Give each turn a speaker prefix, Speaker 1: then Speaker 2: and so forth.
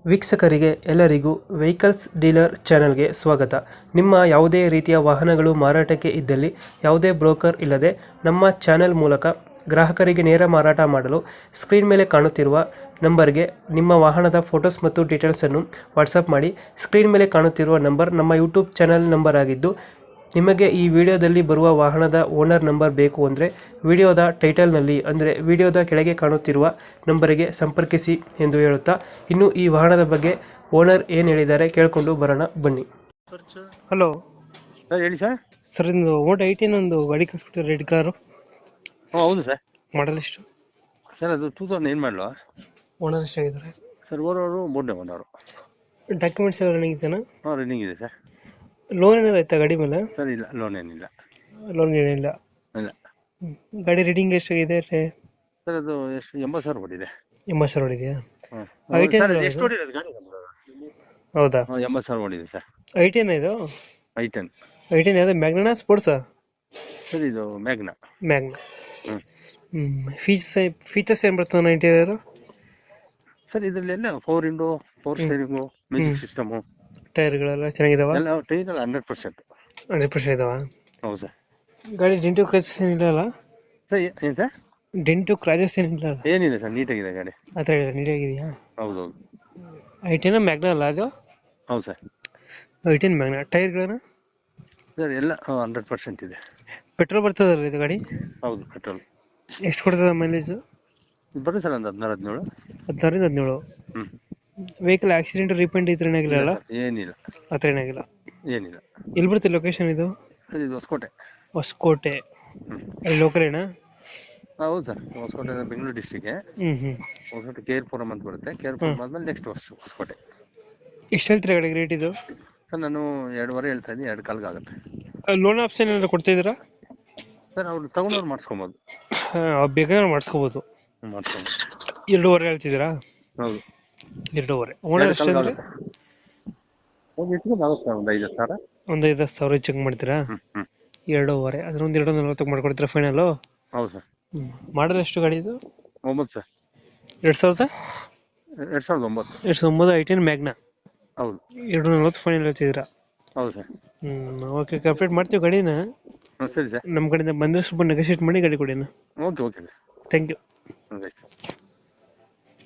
Speaker 1: ವೀಕ್ಷಕರಿಗೆ ಎಲ್ಲರಿಗೂ vehicles dealer ಚಾನೆಲ್ಗೆ ಸ್ವಾಗತ. ನಿಮ್ಮ ಯಾವುದೇ ರೀತಿಯ ವಾಹನಗಳು ಮಾರಾಟಕ್ಕೆ ಇದ್ದಲ್ಲಿ ಯಾವುದೇ ಬ್ರೋಕರ್ ಇಲ್ಲದೆ ನಮ್ಮ ಚಾನೆಲ್ ಮೂಲಕ ಗ್ರಾಹಕರಿಗೆ ನೇರ ಮಾರಾಟ ಮಾಡಲು ಸ್ಕ್ರೀನ್ ಮೇಲೆ ಕಾಣುತ್ತಿರುವ ನಂಬರ್ಗೆ ನಿಮ್ಮ ವಾಹನದ ಫೋಟೋಸ್ ಮತ್ತು ಡೀಟೇಲ್ಸನ್ನು ವಾಟ್ಸಪ್ ಮಾಡಿ. ಸ್ಕ್ರೀನ್ ಮೇಲೆ ಕಾಣುತ್ತಿರುವ ನಂಬರ್ ನಮ್ಮ ಯೂಟ್ಯೂಬ್ ಚಾನೆಲ್ ನಂಬರ್ ಆಗಿದ್ದು, ನಿಮಗೆ ಈ ವಿಡಿಯೋದಲ್ಲಿ ಬರುವ ವಾಹನದ ಓನರ್ ನಂಬರ್ ಬೇಕು ಅಂದರೆ ವಿಡಿಯೋದ ಟೈಟಲ್ನಲ್ಲಿ ಅಂದರೆ ವಿಡಿಯೋದ ಕೆಳಗೆ ಕಾಣುತ್ತಿರುವ ನಂಬರಿಗೆ ಸಂಪರ್ಕಿಸಿ ಎಂದು ಹೇಳುತ್ತಾ, ಇನ್ನು ಈ ವಾಹನದ ಬಗ್ಗೆ ಓನರ್ ಏನು ಹೇಳಿದ್ದಾರೆ ಕೇಳಿಕೊಂಡು ಬರೋಣ ಬನ್ನಿ. ಹಲೋ
Speaker 2: ಸರ್ ಹೇಳಿ ಸರ್.
Speaker 1: ಸರ್, ಇಂದು ಓಟ್ 18 ಒಂದು ಗಾಡಿ ಕಳಿಸ್ಬಿಟ್ಟಿದ್ರೆ ರೆಡ್ ಕಾರು.
Speaker 2: ಹೌದು ಸರ್.
Speaker 1: ಮಾಡಲ್ ಎಷ್ಟು
Speaker 2: ಸರ್ ಅದು 2008 ಮಾಡಲು.
Speaker 1: ಓನರ್ ಎಷ್ಟಾಗಿದ್ದಾರೆ
Speaker 2: ಸರ್ ಓನರು ಮೂರನೇ ಓನರು.
Speaker 1: ಡಾಕ್ಯುಮೆಂಟ್ಸ್ ಎಲ್ಲ ರನ್ನಿಂಗ್ ಇದೆಯಾ?
Speaker 2: ಹಾಂ ರನ್ನಿಂಗ್ ಇದೆ ಸರ್.
Speaker 1: ಲೋನ್ ಏನಾರು ಆಯ್ತಾ ಗಾಡಿ ಮೇಲೆ?
Speaker 2: ಸರ್ ಇಲ್ಲ, ಲೋನ್ ಏನಿಲ್ಲ.
Speaker 1: ಲೋನ್ ಏನಿಲ್ಲ.
Speaker 2: ಇಲ್ಲ.
Speaker 1: ಗಾಡಿ ರೀಡಿಂಗ್ ಎಷ್ಟಾಗಿದೆ?
Speaker 2: ಸರ್ ಅದು ಎಷ್ಟು 80,000 ಹೊಡಿದೆ.
Speaker 1: 80,000 ಹೊಡಿದೆಯಾ?
Speaker 2: ಹಾಂ.
Speaker 1: ಐಟೆನ್
Speaker 2: ಸರ್ ಎಷ್ಟು ಹೊಡಿರೋದು ಗಾಡಿ?
Speaker 1: ಹೌದಾ?
Speaker 2: 80,000 ಹೊಡಿದೆ ಸರ್.
Speaker 1: ಐಟೆನ್ ಇದು?
Speaker 2: I10.
Speaker 1: ಐಟೆನ್ ಯಾವ್ದು, ಮ್ಯಾಗ್ನಾ ಸ್ಪೋರ್ಟ್ಸಾ?
Speaker 2: ಸರ್ ಇದು ಮ್ಯಾಗ್ನಾ.
Speaker 1: ಮ್ಯಾಗ್ನಾ.
Speaker 2: ಹ್ಞೂ.
Speaker 1: ಫೀಚರ್ಸ್ ಏನು ಬರ್ತದೆ ಇಂಟೀರಿಯರು?
Speaker 2: ಸರ್ ಇದರಲ್ಲೆಲ್ಲ 4 ವಿಂಡೋ, 4 ಸ್ಟೇರಿಂಗು, ಮ್ಯೂಸಿಕ್ ಸಿಸ್ಟಮು,
Speaker 1: ಟೈರ್ಗಳೆಲ್ಲ ಚೆನ್ನಾಗಿದಾವ?
Speaker 2: ಎಲ್ಲ ಟೈರೆಲ್ಲ 100%.
Speaker 1: 100% ಇದಾವ?
Speaker 2: ಹೌದು ಸರ್.
Speaker 1: ಗಾಡಿ ಡೆಂಟು ಕ್ರಾಚಸ್ ಏನಿಲ್ಲ?
Speaker 2: ಸರ್ ಏನು ಸರ್?
Speaker 1: ಡೆಂಟು ಕ್ರಾಚಸ್ ಏನಿಲ್ಲ?
Speaker 2: ಏನಿಲ್ಲ ಸರ್, ನೀಟಾಗಿದೆ ಗಾಡಿ.
Speaker 1: ಆ ಥರ ನೀಟಾಗಿದೆಯಾ?
Speaker 2: ಹೌದು.
Speaker 1: ಐಟೆನ್ ಮ್ಯಾಗ್ನಾ ಅಲ್ಲ ಅದು?
Speaker 2: ಹೌದು ಸರ್.
Speaker 1: I ten Magna. ಟೈರ್ಗಳನ್ನ?
Speaker 2: ಸರ್ ಎಲ್ಲ 100% ಇದೆ.
Speaker 1: ಪೆಟ್ರೋಲ್ ಬರ್ತದಲ್ಲ ಇದು ಗಾಡಿ?
Speaker 2: ಹೌದು ಪೆಟ್ರೋಲ್.
Speaker 1: ಎಷ್ಟು ಕೊಡ್ತದೆ ಮೈಲೇಜು?
Speaker 2: ಬರುತ್ತೆ ಸರ್ ಒಂದು 16-17.
Speaker 1: 16-17.
Speaker 2: ಹ್ಞೂ.
Speaker 1: ವೆಹಿಕಲ್ ಆಕ್ಸಿಡೆಂಟ್ ರೀಪೇಂಟ್ ಈ ಥರ ಏನಾಗಿಲ್ಲ?
Speaker 2: ಏನಿಲ್ಲ.
Speaker 1: ಆ ಥರ ಏನಾಗಿಲ್ಲ?
Speaker 2: ಏನಿಲ್ಲ.
Speaker 1: ಎಲ್ಲಿ ಬರುತ್ತೆ ಲೊಕೇಶನ್ ಇದು?
Speaker 2: ಸರ್ ಇದು ಹೊಸಕೋಟೆ.
Speaker 1: ಹೊಸಕೋಟೆ.
Speaker 2: ಹ್ಞೂ.
Speaker 1: ಅಲ್ಲಿ ಲೋಕಲೇನಾ?
Speaker 2: ಹೌದು ಸರ್, ಹೊಸಕೋಟೆ ಬೆಂಗಳೂರು ಡಿಸ್ಟಿಕ್ಗೆ. ಹೊಸಕೋಟೆ ಕೇರ್ಪುರಂ ಅಂತ ಬರುತ್ತೆ. ಕೇರ್ಪುರಂ ಆದ್ಮೇಲೆ ನೆಕ್ಸ್ಟ್ ಹೊಸಕೋಟೆ.
Speaker 1: ಎಷ್ಟು ಹೇಳ್ತೀರಾ ಗಾಡಿಗೆ ರೇಟ್ ಇದು?
Speaker 2: ಸರ್ ನಾನು 2.5 ಹೇಳ್ತಾ ಇದ್ದೀನಿ, 2 ಕಾಲ್ಗೆ ಆಗುತ್ತೆ.
Speaker 1: ಲೋನ್ ಆಪ್ಷನ್ ಏನಾದ್ರು ಕೊಡ್ತಿದ್ದೀರಾ?
Speaker 2: ಸರ್ ಅವ್ರು ತಗೊಂಡವ್ರು ಮಾಡಿಸ್ಕೊಬೋದು.
Speaker 1: ಬೇಕಾದ್ರೆ ಮಾಡಿಸ್ಕೋಬೋದು.
Speaker 2: ಮಾಡಿಸ್ಕೊಬೋದು.
Speaker 1: 2.5 ಹೇಳ್ತಿದ್ದೀರಾ?
Speaker 2: ಹೌದು.
Speaker 1: 2.5. ಓನರ್ ಎಷ್ಟು ಅಂದರೆ?
Speaker 2: ಒಂದು ಇಟ್ಕೊಂಡು ಆಗುತ್ತೆ, ಒಂದು 5,000.
Speaker 1: ಒಂದು 5,000 ಚೆಕ್ ಮಾಡ್ತೀರಾ? 2.5 ಅದನ್ನೊಂದು 240 ಮಾಡ್ಕೊಡ್ತೀರಾ ಫೈನಲು?
Speaker 2: ಹೌದು ಸರ್.
Speaker 1: ಮಾಡಲ್ ಎಷ್ಟು ಗಾಡಿ ಇದು?
Speaker 2: 9 ಸರ್.
Speaker 1: 2009.
Speaker 2: 2009
Speaker 1: ಐಟೆನ್ ಮ್ಯಾಗ್ನಾ.
Speaker 2: ಹೌದು.
Speaker 1: 240 ಫೈನಲ್ ಹೇಳ್ತಿದ್ದೀರಾ?
Speaker 2: ಹೌದು ಸರ್.
Speaker 1: ಓಕೆ, ಕಂಪ್ಲೀಟ್ ಮಾಡ್ತೀವಿ ಗಾಡಿನ.
Speaker 2: ಸರಿ ಸರ್.
Speaker 1: ನಮ್ಮ ಕಡೆಯಿಂದ ಬಂದರೆ ಸ್ವಲ್ಪ ನೆಗೋಷಿಯೇಟ್ ಮಾಡಿ ಗಾಡಿ ಕೊಡಿ.
Speaker 2: Okay sir.
Speaker 1: Thank you.
Speaker 2: Okay.